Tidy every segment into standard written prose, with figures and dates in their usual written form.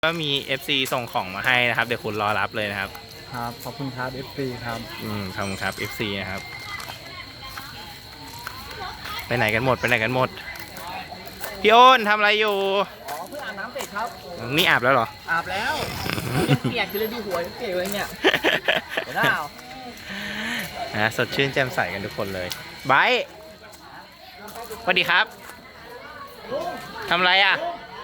ก็มี FC ส่งของมาให้นะครับเดี๋ยวคุณรอรับเลยนะครับครับขอบคุณครับ FC ครับขอบคุณครับ FC นะครับไปไหนกันหมดพี่โอนทำอะไรอยู่เพิ่งอาบน้ำเสร็จครับนี่อาบแล้วเหรออาบแล้วเปียกเลยดูหัวเปียกเลยเนี่ยเห็นเปล่านะสดชื่นแจ่มใสกันทุกคนเลยไบร์ทสวัสดีครับทำอะไรอ่ะ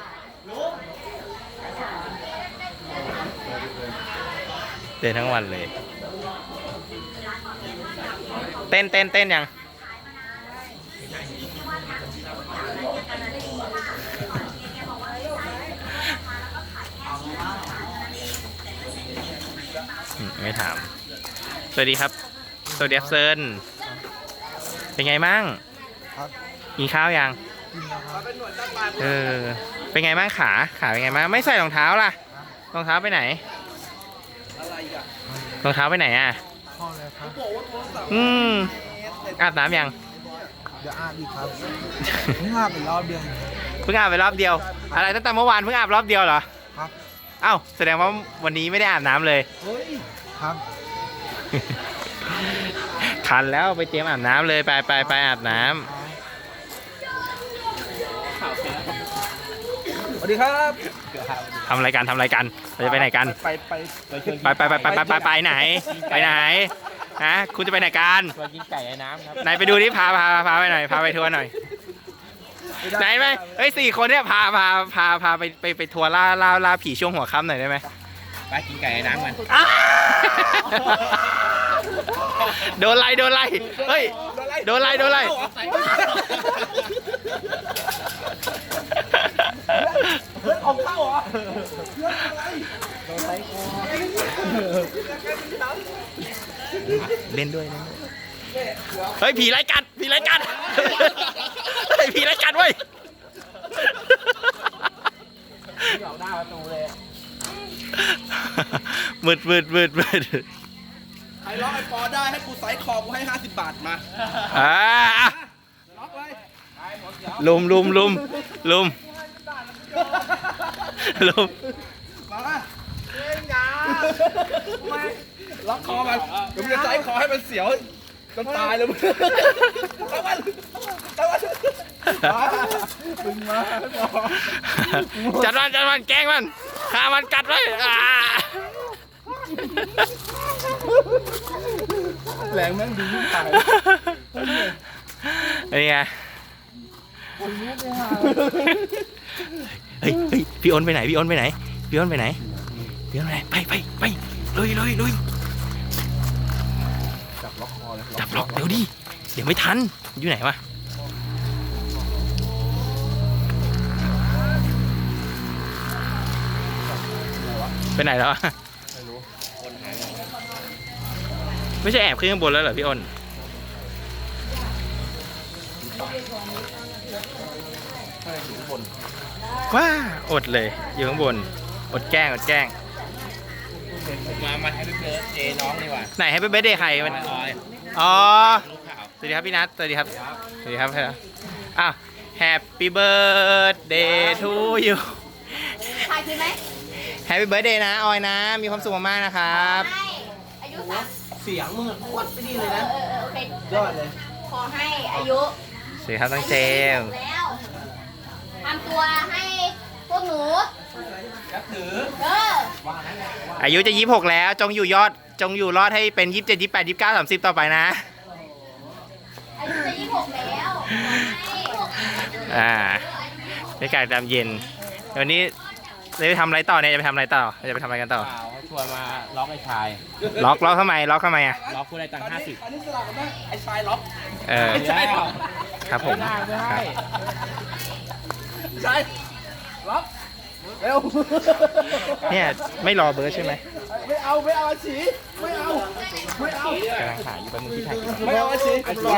เดินทั้งวันเลยเต้นยังไม่ถามสวัสดีครับสวัสดีครับเซิร์นเป็นไงมั่งกินข้าวยังเป็นไงบ้างขาเป็นไงบ้างไม่ใส่รองเท้าล่ะรองเท้าไปไหนรองเท้าไปไหนอ่ะอาบน้ำยังเดี๋ยวอาบอีกครับเพิ่งอาบไปรอบเดียวอะไรตั้งแต่เมื่อวานเพิ่งอาบรอบเดียวเหรอครับเอ้าแสดงว่าวันนี้ไม่ได้อาบน้ำเลยครับคันแล้วไปเตรียมอาบน้ำเลยไปอาบน้ำสวัสดีครับทำอะไรกันเราจะไปไหนกันไปไหนฮะคุณจะไปไหนกันไปกินไก่ในน้ำครับไหนไปดูนี่พาไปหน่อยพาไปทัวร์หน่อยไหนไหมเฮ้ย4 คนเนี่ยพาไปทัวร์ล่าผีช่วงหัวค่ำหน่อยได้ไหมไปกินไก่ในน้ำกันโดนไล่เฮ้ยโดนไล่เพื่อนออกเข้าเหรอเล่นด้วยเฮ้ยผีไล่กัดเฮ้ยผีไล่กัดเว้ยออกหน้าประตูเลยมืดใครล็อกไอ้ปอได้ให้กูไซส์คอกูให้50 บาทมาล็อกเลยลุมมาเล่นยาล็อกคอมันเดี๋ยวมึงจะไซส์คอให้มันเสียวจนตายเลยมึงจัดมันแกล้งมันฆ่ามันกัดไว้แรงแม่งดีตายนี่ไงเฮ้ยพี่อ้นไปไหนไปลุยจับล็อกเดี๋ยวดิเดี๋ยวไม่ทันอยู่ไหนวะไปไหนแล้วไม่รู้ไม่ใช่แอบขึ้นข้างบนแล้วเหรอพี่อ้นว้าอดเลยอยู่ข้างบนอดแกล้งมาให้พี่เบิร์ดเจน้องดีกว่าไหนให้พี่เบิร์ดเดย์ใครมันอ๋อสวัสดีครับพี่นัทสวัสดีครับอ้าว Happy birthday to you ถ่ายคลิปไหม Happy birthday นะออยนะมีความสุขมากๆนะครับอายุเสียงมึงโคตรไม่ดีเลยนะโอเคยอดเลยขอให้อายุสวัสดีครับตั้งเจมแล้วทำตัวให้พวกหนูนับถืออายุจะ26แล้วจงอยู่รอดให้เป็น27 28 29 30ต่อไปนะอายุจะ26แล้วบรรยากาศยามเย็นวันนี้จะไปทำอะไรต่อเนี่ยจะไปทำอะไรกันต่อเขาชวนมาล็อกไอ้ชายล็อกทำไมอ่ะล็อกผู้ได้ตังค์50 อันนี้สลับกันไหมไอ้ชายล็อกใช่ครับผมชายล็อกเร็วเนี่ยไม่รอเบิร์ดใช่ไหมไม่เอาอาชีไม่เอากำลังหาอยู่แป๊บนึงที่ถ่ายไม่เอาอาชี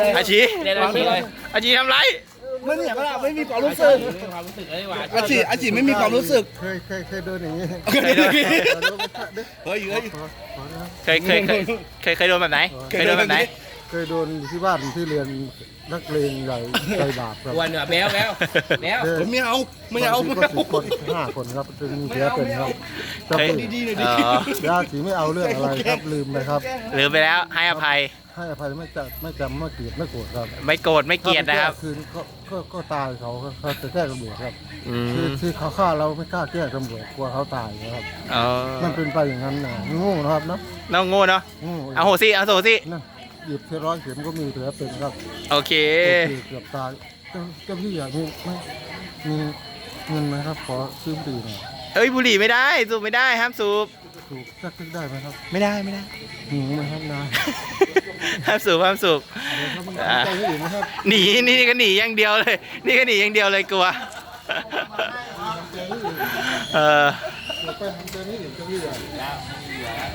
ทำไรไม่เนี่ยก็ไม่มีความรู้สึกอาชีไม่มีความรู้สึกเคยโดนอย่างนี้เคยโดนแบบไหนเคยโดนอยู่ที่บ้านที่เรียนนักเลงใหญ่ใจบาปครับวันเหนือแบวแบวแบวผมไม่เอาไม่เอาไม่ก็เอา 10 คน 5 คนครับจะมีเสียเป็นครับจะเฮ้ยเป็นดีๆหน่อยอ๋ดิอญาติไม่เอาเรื่องอะไรครับลืมไปครับลืมไปแล้วให้อภัยให้อภัยไม่จำไม่เกลียดไม่โกรธครับไม่โกรธไม่เกลียดนะครับถ้าไปแก้คืนก็ตายเขาเขาจะแก้ตำรวจครับอืคือมที่เขาฆ่าเราไม่กล้าแก้ตำรวจกลัวเขาตายนะครับอ๋อมันเป็นไปอย่างนั้นนะโง่นะครับเนาะน้องโง่เนาะโง่เอาโหสิเอาโหสินั่นหยิบเทร้อยเข็มก็มีเหลือเป็นครับโอเคเกือบตายเจ้าพี่อยากมีเงินไหมครับขอซื้อบุหรี่หน่อยเอ้ยบุหรี่ไม่ได้สูบไม่ได้ห้ามสูบถูกสักทึกได้ไหมครับไม่ได้ไม่ได้หนูไหมครับนายห้ามสูบห้ามสูบเดี๋ยวครับมันใจให้อื่นนะครับหนีนี่ก็หนีอย่างเดียวเลย นี่ก็หนีอย่างเดียวเลยกลัวใจให้อื่นเออเดี๋ยวไปทำใจให้อื่นเจ้าพี่อ่ะ